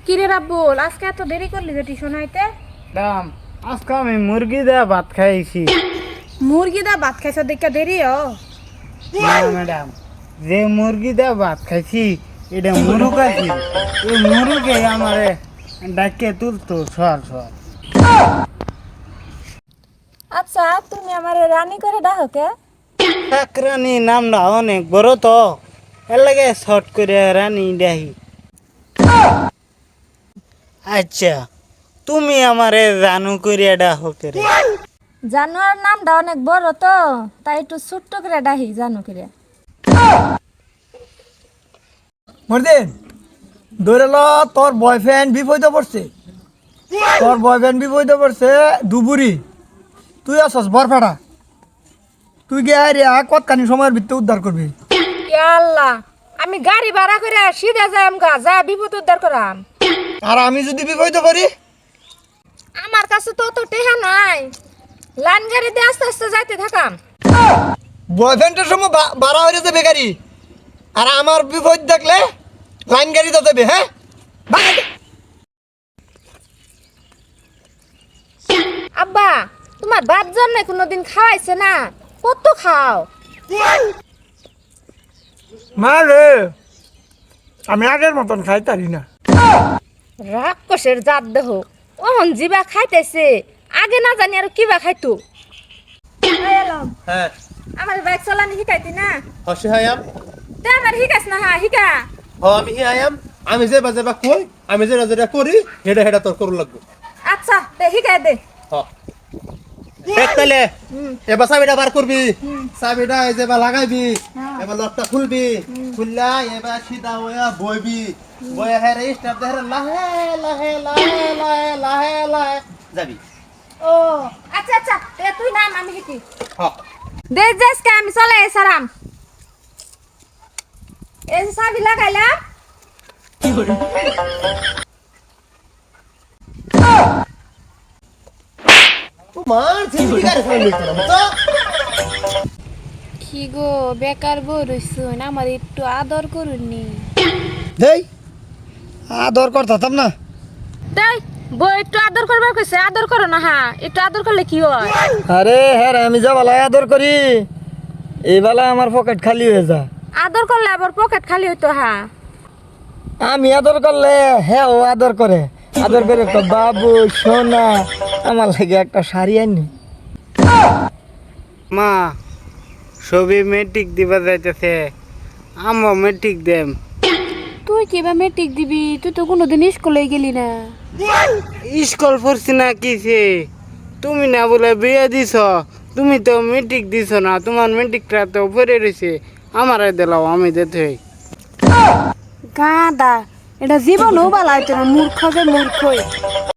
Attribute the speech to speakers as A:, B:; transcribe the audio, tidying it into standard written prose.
A: কিরে রাব্বুল, আজকে এত দেরি করলি যে টিউশন আইতে?
B: দাম আজকে আমি মুরগি দেয়া ভাত খাইছি।
A: মুরগি দা ভাত খাইছ দেখে দেরি
B: না ম্যাডাম, যে মুরগি দেয়া ভাত খাইছি এটা মুরুগ আছে। এই মুরুগে আমারে ডাকে তুলতো সর সর।
A: আচ্ছা, তুমি আমার রানী করে ডাকো কে?
B: রানী নামটা অনেক বড় তো, এর লাগে শর্ট করে রানী ডাহি। আচ্ছা, তুমি আমারে জানু করিয়া ডাকো করে?
A: জানোয়ার নামটা অনেক বড় তো, তাই একটু ছোট্ট করে ডাহি জানো করে।
C: মর্দিন ধরে ল, তোর বয়ফ্রেন্ড বিপদে পড়ছে। দুবুরি, তুই আসস বরফেটা। তুই গিয়ে রে কতখানি সময়ের ভিতরে উদ্ধার করবি।
A: আল্লাহ, আমি গাড়ি ভাড়া করে সিধা যাই আমগা যা বিপদ উদ্ধার করাম।
C: আর আমি যদি বিপদে পড়ি?
A: আমার কাছে তো অত টেহা নাই, লাইন গাড়ি দিয়ে আস্তে আস্তে যাইতে থাকাম।
C: বয়ফ্রেন্ডের সময় বাড়া হয়ে যাবে গাড়ি, আর আমার বিপদ দেখলে লাইন গাড়ি তো দেবে। হ্যাঁ,
A: আব্বা, তোমার বাপ জন্মে কোনোদিন খাওয়াইছে না? কত খাও?
C: মা রে, আমি আগের মতন খাইতারি না।
A: রাক্ষসের জাত দেহ, ওহন জিবা খাইতেছে, আগে না জানি আর কিবা খাইতো।
D: হ্যাঁ
A: আমার বাইক চালানি শিখাইতি না?
D: হসে হায়াম
A: তে আমার শিখাইছ না? শিখা।
D: আমি হি হায়াম আমি যে বাজে বা কই আমি যে যেটা করি হেডা হেডা তোর করু লাগবে।
A: আচ্ছা, তে শিখাই দে।
D: তাহলে এবার চাবিটা বার করবি, চাবিটা এই যে বা লাগাইবি, এবার লকটা খুলবি, খুললা এবার সিধা হইয়া বইবি, বইয়া হেরে স্টার্ট দে হেরে লাহে লাহে লাহে লাহে লাহে লাহে যাবি।
A: ও আচ্ছা আচ্ছা, তে তুই নাম, আমি শিখি।
D: হ
A: দে যাসকে আমি চলে এসারাম। এই যে চাবি লাগাইলাম।
D: তোমার জিন্দগি গাড়ি ফেলে লইতে না তো।
E: কি গো বেকার বই রইছুন, আমার একটু আদর করুননি।
C: দেই আদর করতাম না।
A: দেই বই একটু আদর করবার কইছে, আদর করো না। হ্যাঁ, একটু আদর করলে কি হয়?
C: আরে হ্যাঁ, আমি যা বেলায় আদর করি এই বেলায় আমার পকেট খালি হয়ে যায়।
A: আদর করলে আবার পকেট খালি হইতো। হ্যাঁ,
C: আমি আদর করলে হ্যাঁ ও আদর করে। আদর করে তো বাবু সোনা, আমার লাগে একটা শাড়ি আনি।
B: মা, সবই মেট্রিক দিবা যাইতেছে, আমও মেট্রিক দেম।
E: তুই কিবা মেট্রিক দিবি? তুই তো কোনোদিন স্কুলে গেলি না।
B: স্কুল পড়ছি না কিছে? তুমি না বলে বিয়ে দিছ, তুমি তো মেট্রিক দিছ না, তোমার মেট্রিকটা তো পড়ে রয়েছে, আমারে দিলাও, আমি দিতে।
E: গাদা, এটা জীবনও বালা হইতো না, মূর্খ যে মূর্খই।